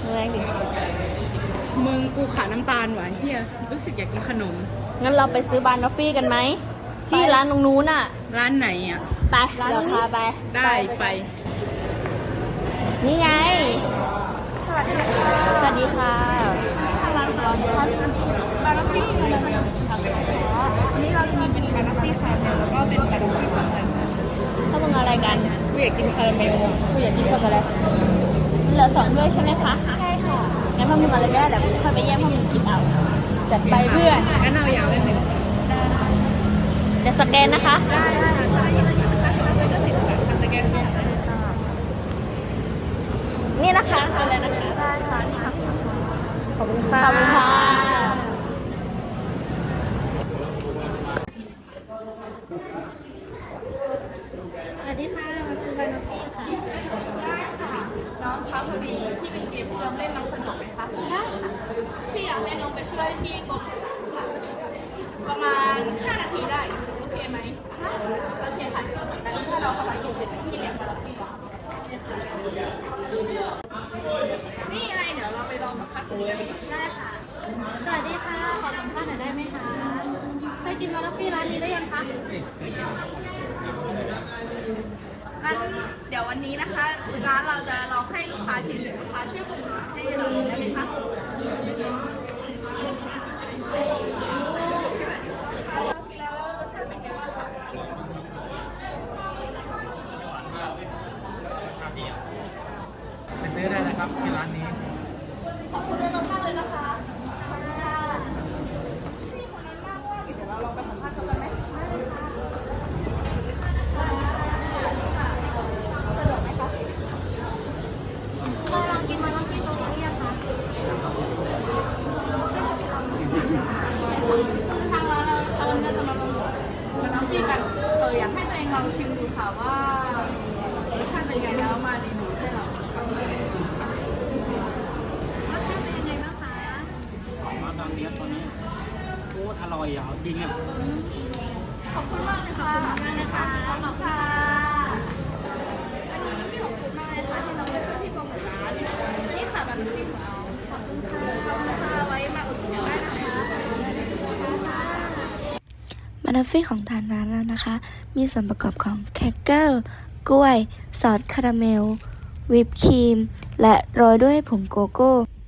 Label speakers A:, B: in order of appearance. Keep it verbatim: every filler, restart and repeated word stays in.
A: แรงดิ
B: มึงกูขาดน้ำตาลว่ะเฮียรู้สึกอยากกินขนม
A: งั้นเราไปซื้อบานอฟฟี่กันไหมที่ร้านตรงนู้นอ่ะ
B: ร้านไหนอ่ะ
A: ไปเดี๋ยวพาไป
B: ได้ไป
A: นี่ไงสวัสดีค่ะ
C: ทางร้านของเรานะคะมีบาร์ฟี่มาแล้วนะคะอันนี้เราจะมีเป็นบาร์ฟี่คาราเมลแล้วก็เป็นบาร์ฟี่ช็อกโกแลตค่ะ
A: ถ้ามึงอะไรกัน
B: กูอยากกินคาราเมล
A: กูอยากกินช็อกโกแลตเหลือสองด้วยใช่ไหมคะ
C: ใช่ค่ะ
A: งั้นพวกมึงอะไรก็ได้เดี๋ยวค่อยไปแย่งพวกมึงกินเอาจัดไปเพื่อน
B: งั้นเอาอย่างละหนึ่ง
A: เดี๋ยวสแกนนะคะ
C: ได้ได้ค่ะถ้ายี่สิบบาทนะคะแล้วก็สิบบาทค่ะสแกนได้เลยค่ะ
A: นี่นะคะเอาเลยนะคะ
C: ได้ค่ะนี่ค่ะ
A: ขอบคุณค่ะขอบคุณค่ะสวัสดีค่ะมาซื้อบานอฟฟี่ค่ะ
C: ได้ค่ะน้องคะพอดีที่เป็นเกมที่เราเล่นน้องสนุกไหมคะได้ค่ะพี่อยากให้น้องไปช่วยพี่กดค่ะประมาณห้านาทีได้โอเคไหมโอเคค่ะก็เหมือนกันถ้าเรากำลังอยู่เสร็จพี่เรียกมาแล้วพี่บอกนี่อะไรเดี๋ยวเราไปลองสัมภาษณ์กัน
A: ได้ค่ะสวัสดีค่ะขอสัมภาษณ์หน่อยได้ไหมคะเคยกินบานอฟฟี่ร้านนี้หรือยังคะ
C: งั้นเดี๋ยววันนี้นะคะร้านเราจะลองให้ลูกค้าชิมลูกค้าช่วยปรุงรสให้เราได้ไหมคะแล้วรสชาติเป็นไงบ้างคะ
D: ไปซื้อได้นะครับที่ร้านนี้
C: ขอบคุณมากมากเลยนะคะพี่คนนั้นน่าว่าเดี๋ยวเราลองไปสัมภาษณ์เขากันไหมสะดวกไหมคะ
A: เคยลองกินบานอฟฟี่ตรงนี้หรือยังคะ
C: ทางร้านเราทางวันนี้เราจะมาโปรโมทมาน้ำพี่กันเอออยากให้ตัวเองลองชิมดูค่ะว่ารสชาติเป็นไงแล้วมารีวิวให้เราค่ะ
A: รสชาติเป็นยังไงบ้างคะ
D: มาตอนนี้ตอนนี้โคตรอร่อยอ่ะจริงอ่ะ
C: ขอบคุณมากเลยค่ะขอบคุณมากนะคะขอบคุณค่ะอันนี้ขอบคุณมากเลยค่ะที่น้องได้ช่วยพี่โปรโมทร้านนี่ค่ะบันทึกของเราขอบคุณค่ะขอบคุณค่ะไว้มาอุดหนุนได้นะคะ
E: บานอฟฟี่ของทางร้านเรานะคะ มีส่วนประกอบของแครกเกอร์กล้วย ซอสคาราเมล วิปครีม และโรยด้วยผงโกโก้